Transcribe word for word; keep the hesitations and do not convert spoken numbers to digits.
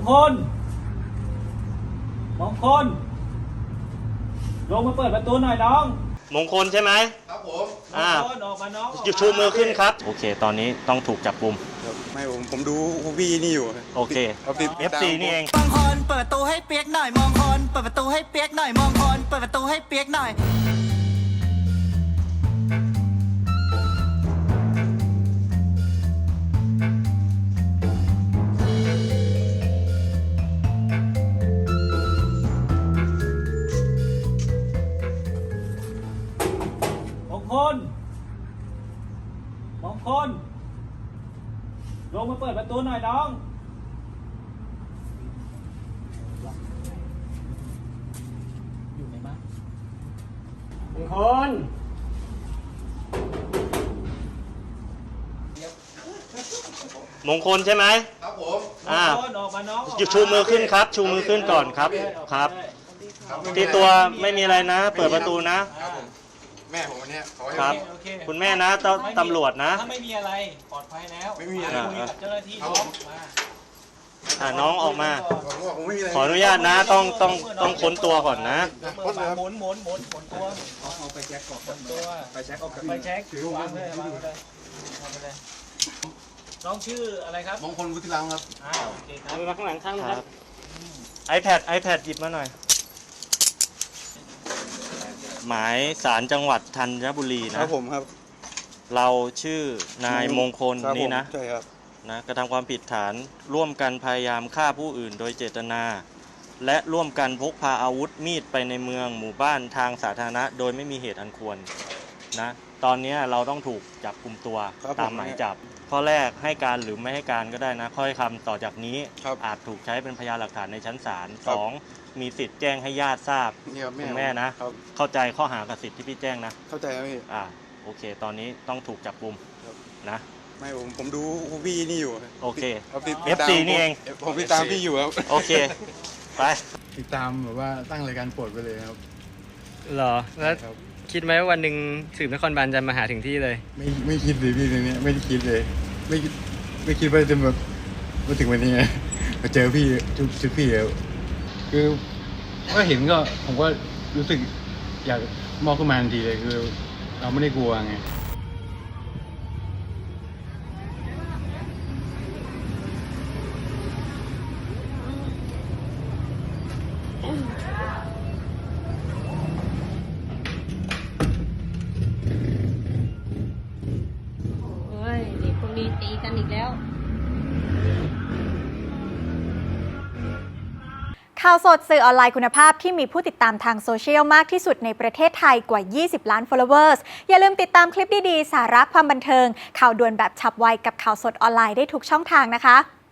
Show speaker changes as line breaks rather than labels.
คลมงคลลงมาเปิดประตูหน่อยน้อง
มงคลใช่ไหม
ครับผม
อ่า
ออกมาน้อง
ชูมือขึ้นครับโอเคตอนนี้ต้องถูกจับกุม
ไม่ผมผมดูพี่นี่อยู่
โอเค เอฟ ซี นี่เอง
มองคนเปิดประตูให้เปียกหน่อยมองคนเปิดประตูให้เปียกหน่อยมองคนเปิดประตูให้เปียกหน่อย
มงคลมงคลลงมาเปิดประตูหน่อยน้องอยู่ไหนบ้างมงคล
มงคลใช่ไหม
ครับผม
อ่า
ออกมาน้อง
ชูมือขึ้นครับ ชูมือขึ้นก่อนครับครับที่ตัวไม่มีอะไรนะ เปิดประตูนะ
แม่ผมวันนี้ขอให้
ครับคุณแม่นะตำรวจนะ
ถ้าไม่มีอะไรปลอดภัยแล้ว
ไม่มีอะไร
คุยกับเจ้าหน้าที่น้องมา
อ่าน้องออกมา
ผมไม่มีอะไร
ขออนุญาตนะต้องต้องต้องค้นตัวก่อนนะ
หมุนหมุนหมุนหมุนตัวเอาไปแจ็คก่อนตัวไปแจ็คออกไปแจ็ควางเลยวางเลยวางไปเลยน้องชื่ออะไรครับ
มงคลวุฒิรังครับ
อ่าโอเคครับ
มาข้างหลังข้างครับ iPad iPad หยิบมาหน่อยหมายศาลจังหวัดธัญบุรีนะครับ
ผมครับ
เราชื่อนายมงคลนี่นะ
ใช่ครับ
นะกระทำความผิดฐานร่วมกันพยายามฆ่าผู้อื่นโดยเจตนาและร่วมกันพกพาอาวุธมีดไปในเมืองหมู่บ้านทางสาธารณะโดยไม่มีเหตุอันควรนะตอนนี้เราต้องถูกจับกุมตัวตามหมายจับข้อแรกให้การหรือไม่ให้การก็ได้นะข้อคำต่อจากนี้อาจถูกใช้เป็นพยานหลักฐานในชั้นศาลสองมีสิทธิ์แจ้งให้ญาติทราบคุณแม่นะเข้าใจข้อหากับสิทธิ์ที่พี่แจ้งนะ
เข้าใจครับพี่
อ่าโอเคตอนนี้ต้องถูกจับกุมนะ
ไม่ผมผมดูพี่นี่อยู่
โอเค
เอฟ
ซี นี่เอง
ผมติดตามพี่อยู่ครับ
โอเคไป
ติดตามแบบว่าตั้งรายการโปรดไปเลยครับ
หรอแล้วคิดไหมว่าวันหนึ่งสืบนครบาลจะมาหาถึงที่เลย
ไม่ไม่คิดเลยพี่ในนี้ไม่ได้คิดเลยไม่ไม่คิดว่าจะแบบมาถึงวันนี้ไงมาเจอพี่ทุกทุกพี่แล้วคือก็เห็นก็ผมก็รู้สึกอยากมอบขึ้นมาทันทีเลยคือเราไม่ได้กลัวไง
โอ้ยเด็กพวกนี้ตีกันอีกแล้ว
ข่าวสดสื่อออนไลน์คุณภาพที่มีผู้ติดตามทางโซเชียลมากที่สุดในประเทศไทยกว่า ยี่สิบ ล้าน followers อย่าลืมติดตามคลิปดีๆ สาระความบันเทิง ข่าวด่วนแบบฉับไวกับข่าวสดออนไลน์ได้ทุกช่องทางนะคะ